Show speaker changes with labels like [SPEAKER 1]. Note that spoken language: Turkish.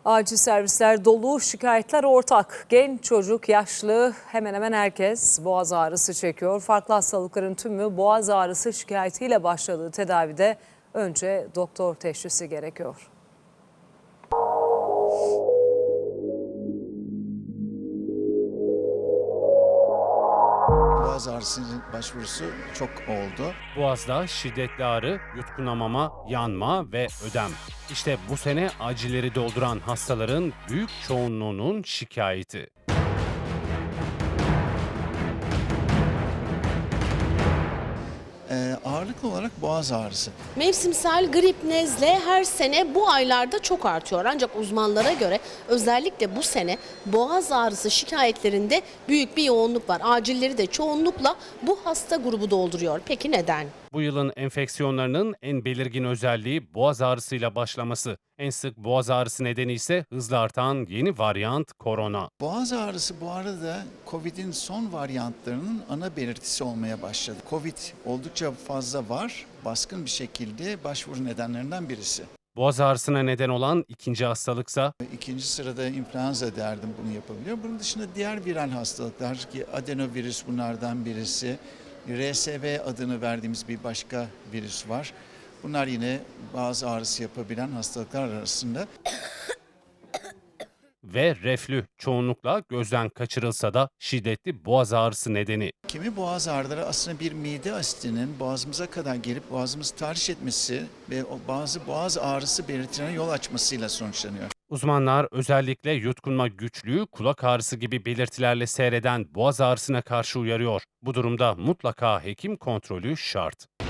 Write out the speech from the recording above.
[SPEAKER 1] Acil servisler dolu, şikayetler ortak. Genç, çocuk, yaşlı hemen hemen herkes boğaz ağrısı çekiyor. Farklı hastalıkların tümü boğaz ağrısı şikayetiyle başladığı tedavide önce doktor teşhisi gerekiyor.
[SPEAKER 2] Boğaz ağrısının başvurusu çok oldu.
[SPEAKER 3] Boğazda şiddetli ağrı, yutkunamama, yanma ve ödem. İşte bu sene acilleri dolduran hastaların büyük çoğunluğunun şikayeti.
[SPEAKER 2] Ağırlıklı olarak boğaz ağrısı.
[SPEAKER 4] Mevsimsel grip, nezle her sene bu aylarda çok artıyor. Ancak uzmanlara göre özellikle bu sene boğaz ağrısı şikayetlerinde büyük bir yoğunluk var. Acilleri de çoğunlukla bu hasta grubu dolduruyor. Peki neden?
[SPEAKER 3] Bu yılın enfeksiyonlarının en belirgin özelliği boğaz ağrısıyla başlaması. En sık boğaz ağrısı nedeni ise hızla artan yeni varyant korona.
[SPEAKER 2] Boğaz ağrısı bu arada Covid'in son varyantlarının ana belirtisi olmaya başladı. Covid oldukça fazla var, baskın bir şekilde başvuru nedenlerinden birisi.
[SPEAKER 3] Boğaz ağrısına neden olan ikinci hastalıksa
[SPEAKER 2] İkinci sırada influenza derdim bunu yapabiliyor. Bunun dışında diğer viral hastalıklar ki adenovirüs bunlardan birisi. RSV adını verdiğimiz bir başka virüs var. Bunlar yine boğaz ağrısı yapabilen hastalıklar arasında.
[SPEAKER 3] ve reflü çoğunlukla gözden kaçırılsa da şiddetli boğaz ağrısı nedeni.
[SPEAKER 2] Kimi boğaz ağrıları aslında bir mide asitinin boğazımıza kadar gelip boğazımızı tahriş etmesi ve bazı boğaz ağrısı belirtilerine yol açmasıyla sonuçlanıyor.
[SPEAKER 3] Uzmanlar özellikle yutkunma güçlüğü, kulak ağrısı gibi belirtilerle seyreden boğaz ağrısına karşı uyarıyor. Bu durumda mutlaka hekim kontrolü şart.